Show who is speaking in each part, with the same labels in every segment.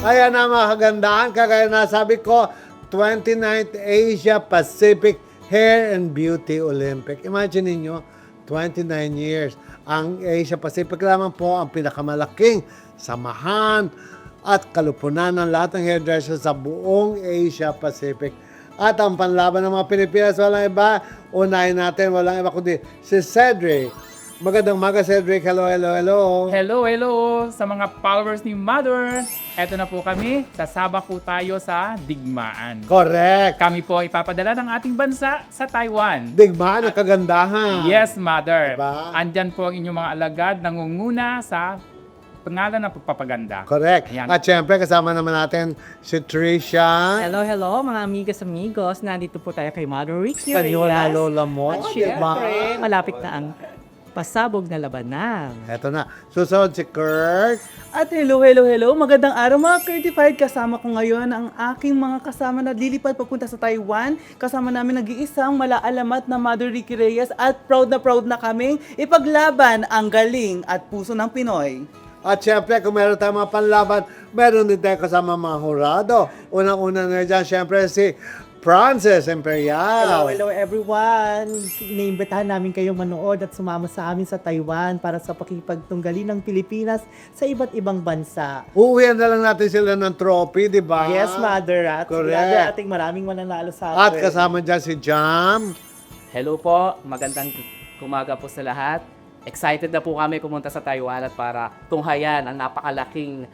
Speaker 1: Kaya na mga kagandahan, kagaya na sabi ko, 29th Asia Pacific Hair and Beauty Olympic. Imagine niyo 29 years. Ang Asia Pacific lamang po ang pinakamalaking samahan at kalupunan ng lahat ng hairdressers sa buong Asia Pacific. At ang panlaban ng mga Pilipinas, walang iba, unahin natin, walang iba kundi si Cedric. Magandang umaga, Cedric. Hello, hello, hello.
Speaker 2: Hello, hello sa mga followers ni Mother. Eto na po kami, sasaba po tayo sa digmaan.
Speaker 1: Correct.
Speaker 2: Kami po ipapadala ng ating bansa sa Taiwan.
Speaker 1: Digmaan ang kagandahan.
Speaker 2: Yes, Mother.
Speaker 1: Diba?
Speaker 2: Andyan po ang inyong mga alagad nangunguna sa pangalan ng pagpapaganda.
Speaker 1: Correct.
Speaker 2: Ayan.
Speaker 1: At syempre, kasama naman natin si Trisha.
Speaker 3: Hello, hello mga amigos. Nandito po tayo kay Mother Ricky.
Speaker 1: Kanyola Lola mo.
Speaker 3: At
Speaker 1: Diba?
Speaker 3: syempre, malapit na ang pasabog na labanan.
Speaker 1: Eto na. Susunod si Kurt.
Speaker 4: At hello, hello, hello. Magandang araw mga certified. Kasama ko ngayon ang aking mga kasama na lilipad papunta sa Taiwan. Kasama namin nag-iisang malaalamat na Mother Ricky Reyes at proud na kaming ipaglaban ang galing at puso ng Pinoy.
Speaker 1: At syempre, kung meron tayong mga panlaban, meron din tayo kasama mga hurado. Unang-una na dyan, syempre si Frances Imperial.
Speaker 5: Hello everyone! Iniimbitahan namin kayong manood at sumama sa amin sa Taiwan para sa pakipagtunggali ng Pilipinas sa iba't ibang bansa.
Speaker 1: Uuwihan na lang natin sila ng trophy, di ba?
Speaker 5: Yes, Mother! At
Speaker 1: Correct.
Speaker 5: sigurado ating maraming mananalo sa
Speaker 1: At
Speaker 5: atin.
Speaker 1: kasama dyan si Jam.
Speaker 6: Hello po, magandang umaga po sa lahat. Excited na po kami pumunta sa Taiwan at para tunghayan ang napakalaking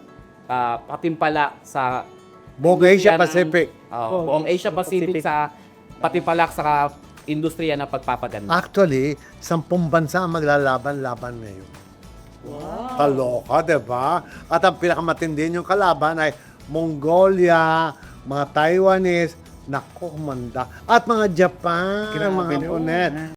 Speaker 6: patimpalak sa
Speaker 1: Buong Asia
Speaker 6: industriya ng-
Speaker 1: Pacific.
Speaker 6: buong Asia Pacific sa patimpalak sa industriya ng pagpapaganda.
Speaker 1: Actually, 10 bansa ang maglalaban-laban ngayon. Wow. Kaloka, di ba? At ang pinakamatindi yung kalaban ay Mongolia, mga Taiwanese, naku, manda. At mga Japan, mga Pinunet.